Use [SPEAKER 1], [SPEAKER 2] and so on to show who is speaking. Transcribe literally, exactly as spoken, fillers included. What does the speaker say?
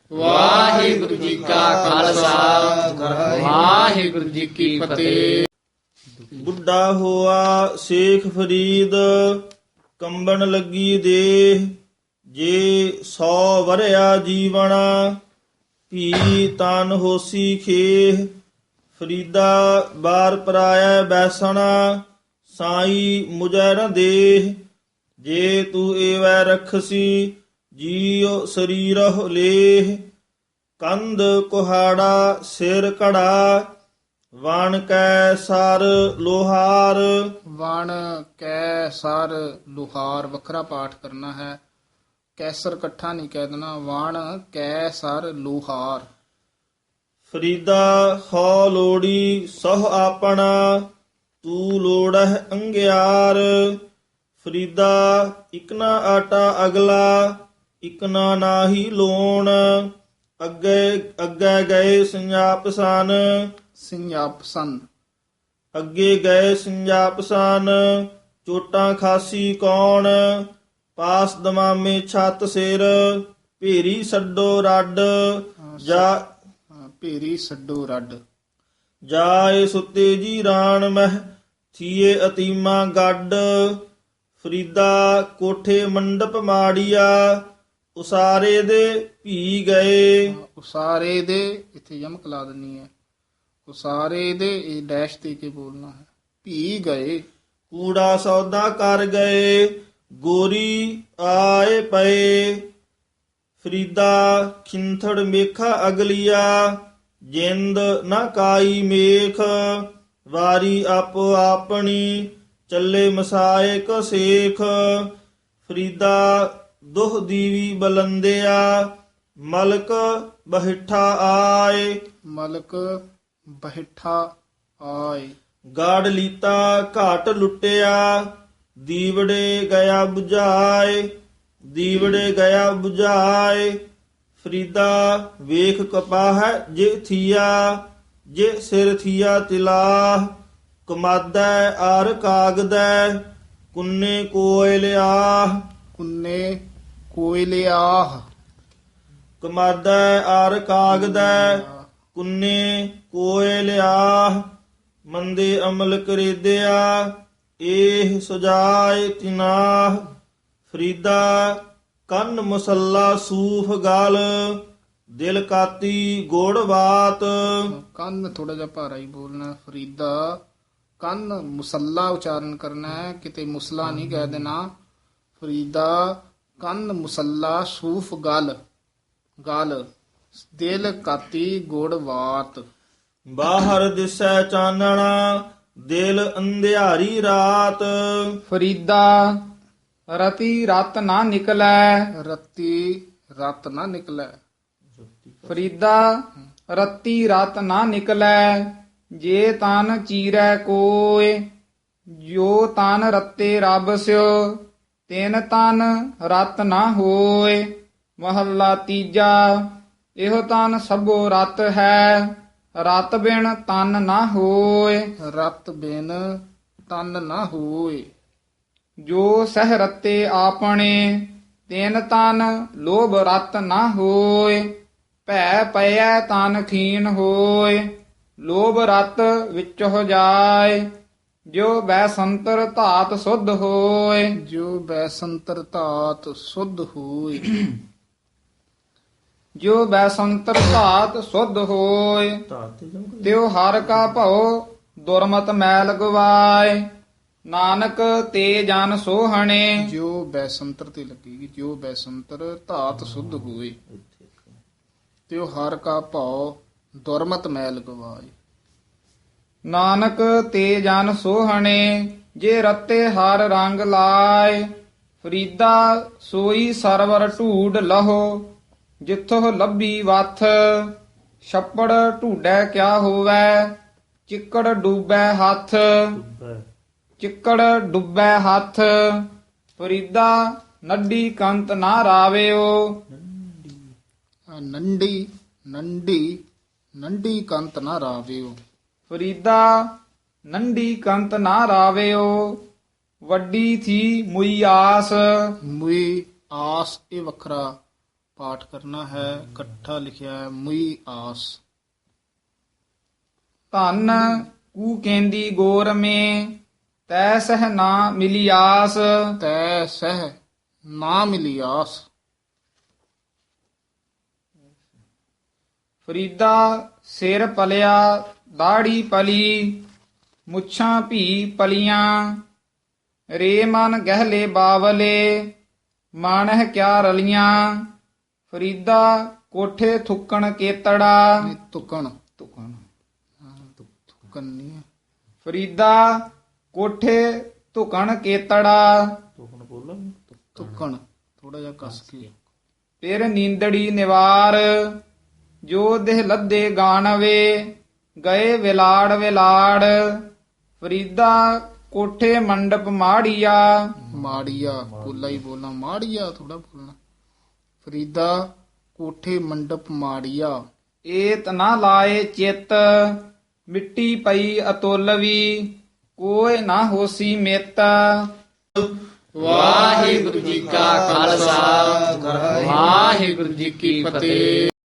[SPEAKER 1] ਵਾਹਿਗੁਰੂ ਜੀ ਕਾ ਖਾਲਸਾ ਵਾਹਿਗੁਰੂ ਜੀ ਕੀ ਫਤਿਹ।
[SPEAKER 2] ਬੁੱਢਾ ਹੋਆ ਸੇਖ ਫਰੀਦ, ਕੰਬਣ ਲੱਗੀ ਦੇਹ। ਜੇ ਸੌ ਵਰਿਆ ਜੀਵਣਾ, ਭੀ ਤਨ ਹੋਸੀ ਖੇਹ। ਫਰੀਦਾ ਬਾਰ ਪਰਾਇਆ ਬੈਸਣਾ, ਸਾਈ ਮੁਝੈ ਨ ਦੇਹ। ਜੇ ਤੂੰ ਏਵੈ ਰਖਸੀ, ਜੀਉ ਸਰੀਰਹੁ ਲੇਹ। ਕੰਧ ਕੁਹਾੜਾ ਸਿਰ ਘੜਾ, ਵਣ ਕੈ ਸਰ ਲੋਹਾਰ।
[SPEAKER 1] ਵਣ ਕੈ ਸਰ ਲੁਹਾਰ ਵੱਖਰਾ ਪਾਠ ਕਰਨਾ ਹੈ, ਕੈਸਰ ਇਕੱਠਾ ਨਹੀਂ ਕਹਿ ਦੇਣਾ। ਵਣ ਕੈ ਸਰ ਲੁਹਾਰ।
[SPEAKER 2] ਫਰੀਦਾ ਹੋ ਲੋੜੀ ਸਹੁ ਆਪਣਾ, ਤੂੰ ਲੋੜਹਿ ਅੰਗਿਆਰ। ਫਰੀਦਾ ਇਕਨਾ ਆਟਾ ਅਗਲਾ, ਇਕਨਾ ਨਾਹੀ ਲੋਣ। ਅੱਗੇ ਅੱਗੇ ਗਏ ਸੰਜਾਪ ਸਨ,
[SPEAKER 1] ਸਿੰਘਾਪ ਸਨ।
[SPEAKER 2] ਅੱਗੇ ਗਏ ਸੰਜਾਪ ਸਨ। ਚੋਟਾਂ ਖਾਸੀ ਕੌਣ, ਪਾਸ ਦਮਾਮੇ ਛੱਤ ਸਿਰ। ਭੇਰੀ ਛੱਡੋ ਰੱਡ, ਜਾ
[SPEAKER 1] ਹਾਂ, ਭੇਰੀ ਛੱਡੋ ਰੱਡ।
[SPEAKER 2] ਜਾਏ ਸੁੱਤੇ ਜੀ ਰਾਣ ਮਹਿ, ਥੀਏ ਅਤੀਮਾ ਗੱਡ। ਫਰੀਦਾ ਕੋਠੇ ਮੰਡਪ ਮਾੜੀਆ, ਉਸਾਰੇ ਦੇ ਭੀ ਗਏ।
[SPEAKER 1] ਉਸਾਰੇ ਦੇ, ਇੱਥੇ ਯਮਕ ਲਾ ਦੇਣੀ ਹੈ। ਉਸਾਰੇ ਦੇ ਇਹ ਡੈਸ਼ ਦੇ ਕੇ ਬੋਲਣਾ ਹੈ। ਭੀ ਗਏ।
[SPEAKER 2] ਕੂੜਾ ਸੌਦਾ ਕਰ ਗਏ, ਗੋਰੀ ਆਏ ਪਏ। ਫਰੀਦਾ ਖਿੰਥੜ ਮੇਖਾ ਅਗਲੀਆ, ਜਿੰਦ ਨਾ ਕਾਈ ਮੇਖ। ਵਾਰੀ ਆਪੋ ਆਪਣੀ, ਚੱਲੇ ਮਸਾਏ ਕੋ ਸੇਖ। ਫਰੀਦਾ ਦੁਹ ਦੀਵੀ ਬਲੰਦਿਆ, ਮਲਕ ਬਹਿਠਾ ਆਏ।
[SPEAKER 1] ਮਲਕ ਬਹਿਠਾ ਆਏ।
[SPEAKER 2] ਗਾੜ ਲੀਤਾ ਘਾਟ ਲੁੱਟਿਆ, ਦੀਵੜੇ ਗਿਆ 부ਝਾਏ। ਦੀਵੜੇ ਗਿਆ 부ਝਾਏ। ਫਰੀਦਾ ਵੇਖ ਕਪਾਹ ਜੇ ਥੀਆ, ਜੇ ਸਿਰ ਥੀਆ ਤਿਲਾਹ। ਕਮਾਦੈ ਆਰ ਕਾਗਦੈ, ਕੁੰਨੇ ਕੋਇ ਲਿਆਹ।
[SPEAKER 1] ਕੁੰਨੇ ਕੋਇਲਿਆਹ।
[SPEAKER 2] ਕਮਾਦੈ ਆਰ ਕਾਗਦੈ, ਕੁੰਨੇ ਕੋਇ ਲਿਆਹ। ਮੰਦੇ ਅਮਲ ਕਰੀਦਿਆ, ਏਹ ਸੁਜਾਏ ਤਿਨਾਹ। ਫਰੀਦਾ ਕੰਨ ਮੁਸੱਲਾ ਸੂਫ ਗਲ, ਦਿਲ ਕਾਤੀ ਗੋੜ ਬਾਤ।
[SPEAKER 1] ਕੰਨ ਥੋੜਾ ਜਿਹਾ ਭਾਰਾ ਹੀ ਬੋਲਣਾ। ਫਰੀਦਾ ਕੰਨ ਮੁਸੱਲਾ ਉਚਾਰਨ ਕਰਨਾ ਹੈ, ਕਿਤੇ ਮੁਸਲਾ ਨਹੀਂ ਕਹਿ ਦੇਣਾ। ਫਰੀਦਾ ਕੰਨ ਮੁਸੱਲਾ ਸੂਫ ਗਲ, ਗਲ ਦਿਲ ਕਾਤੀ ਗੋੜ ਬਾਤ।
[SPEAKER 2] ਬਾਹਰ ਦਿਸੈ ਚਾਨਣਾ, ਦਿਲ ਅੰਧਿਆਰੀ ਰਾਤ।
[SPEAKER 3] ਫਰੀਦਾ ਰਤੀ ਰਤ ਨਾ ਨਿਕਲੈ।
[SPEAKER 1] ਰੱਤੀ ਰਤ ਨਾ ਨਿਕਲੈ।
[SPEAKER 3] ਫਰੀਦਾ ਰਤੀ ਰਤ ਨਾ ਨਿਕਲੈ, ਜੇ ਤਨ ਚੀਰੈ ਕੋਇ। ਜੋ ਤਨ ਰਤੇ ਰੱਬ ਸਿਓ, ਤਿਨ ਤਨ ਰਤ ਨਾ ਹੋਏ। ਮਹੱਲਾ ਤੀਜਾ। ਇਹੋ ਤਨ ਸਭੋ ਰਤ ਹੈ, ਰਤ ਬਿਨ ਤਨ ਨਾ ਹੋਏ।
[SPEAKER 1] ਰਤ ਬਿਨ ਤਨ ਨਾ ਹੋਏ।
[SPEAKER 3] ਜੋ ਸਹਿ ਰਤੇ ਆਪਣੇ, ਤਿਨ ਤਨ ਲੋਭ ਰਤ ਨਾ ਹੋਏ। ਭੈ ਪਇਐ ਤਨ ਖੀਨ ਹੋਏ, ਲੋਭ ਰਤ ਵਿੱਚ ਹੋ ਜਾਏ। ਜੋ ਬੈਸੰਤਰ ਧਾਤ ਸੁਧ ਹੋਏ।
[SPEAKER 1] ਜੋ ਬੈਸੰਤਰ ਧਾਤ ਸੁਧ ਹੋਏ।
[SPEAKER 3] ਜੋ ਬੈਸੰਤਰ ਧਾਤ ਸੁਧ ਹੋਏ, ਤਿਉ ਹਰ ਕਾ ਭਉ ਦੁਰਮਤ ਮੈਲ ਗਵਾਏ। ਨਾਨਕ ਤੇ ਜਨ ਸੋਹਣੇ।
[SPEAKER 1] ਜੋ ਬੈਸੰਤਰ ਤੇ ਲੱਗੇਗੀ। ਜੋ ਬੈਸੰਤਰ ਧਾਤ ਸੁਧ ਹੋਏ, ਤਿਉ ਹਰ ਕਾ ਭਉ ਦੁਰਮਤ ਮੈਲ ਗਵਾਏ।
[SPEAKER 3] ਨਾਨਕ ਤੇ ਜਨ ਸੋਹਣੇ, ਜੇ ਰਤੇ ਹਰ ਰੰਗ ਲਾਏ। ਫਰੀਦਾ ਸੋਈ ਸਰਵਰ ਢੂਡ ਲਹੋ, ਜਿੱਥੋਂ ਲੱਭੀ ਵਥ। ਛੱਪੜ ਢੂਡੈ ਕਿਆ ਹੋਵੈ, ਚਿੱਕੜ ਡੂਬੈ ਹੱਥ। ਚਿੱਕੜ ਡੁੱਬੈ ਹੱਥ। ਫਰੀਦਾ ਨੱਡੀ ਕੰਤ ਨਾ ਰਾਵਿਓ।
[SPEAKER 1] ਆਹ ਨੰਡੀ ਨੰਡੀ ਨੰਡੀ ਕੰਤ ਨਾ ਰਾਵਿਓ।
[SPEAKER 3] ਫਰੀਦਾ ਨੰਡੀ ਕੰਤ ਨਾ ਰਾਵਿਓ। ਵੱਡੀ ਥੀ ਮੁਈ ਆਸ।
[SPEAKER 1] ਮੁਈ ਆਸ ਇਹ ਵੱਖਰਾ ਪਾਠ ਕਰਨਾ ਹੈ। ਇਕੱਠਾ ਲਿਖਿਆ ਹੈ ਮੁਈ ਆਸ।
[SPEAKER 3] ਧਨ ਕੂ ਕੇਂਦੀ ਗੋਰ ਮੇ ਤੈ ਸਹ ਨਾ ਮਿਲੀ ਆਸ।
[SPEAKER 1] ਤੈ ਸਹਿ ਨਾ ਮਿਲੀ ਆਸ।
[SPEAKER 3] ਫਰੀਦਾ ਸਿਰ ਪਲਿਆ ਦਾੜੀ ਪਲੀ ਮੁੱਛਾਂ ਭੀ ਪਲੀਆਂ ਰੇ ਮਨ ਗਹਿਲੇ ਬਾਵਲੇ ਮਾਨਹ ਕਿਆ ਰਲੀਆਂ। ਫਰੀਦਾ ਕੋਠੇ ਥੁੱਕਣ ਕੇਤੜਾ।
[SPEAKER 1] ਇਹ ਤੁਕਣ
[SPEAKER 3] ਤੁਕਣ
[SPEAKER 1] ਤੁਕਣ ਨਹੀਂ ਹੈ।
[SPEAKER 3] ਫਰੀਦਾ ਕੋਠੇ ਧੁਕਣ ਕੇਤੜਾ
[SPEAKER 2] ਤੁਕਣ ਬੋਲਾਂ
[SPEAKER 1] ਤੁਕਣ ਥੋੜਾ ਜਿਹਾ ਕਸ ਕੇ।
[SPEAKER 3] ਫਿਰ ਨੀਂਦੜੀ ਨਿਵਾਰ ਜੋ ਦੇਹ ਲੱਦੇ ਗਾਣਵੇ ਗਏ ਵਿਲਾੜ ਵਿਲਾੜ। ਫਰੀਦਾ ਕੋਠੇ ਮੰਡਪ ਮਾੜੀਆ।
[SPEAKER 1] ਮਾੜੀਆ ਪੋਲਾ ਹੀ ਬੋਲਣਾ, ਮਾੜੀਆ ਥੋੜਾ ਬੋਲਣਾ। ਫਰੀਦਾ ਕੋਠੇ ਮੰਡਪ ਮਾੜੀਆ।
[SPEAKER 3] ਏਤ ਨਾ ਲਾਏ ਚਿੱਤ ਮਿੱਟੀ ਪਈ ਅਤੁਲਵੀ ਕੋਇ ਨਾ ਹੋਸੀ ਮਿੱਤ।
[SPEAKER 1] ਵਾਹਿਗੁਰੂ ਜੀ ਕਾ ਖਾਲਸਾ ਵਾਹਿਗੁਰੂ ਜੀ ਕੀ ਫਤਿਹ।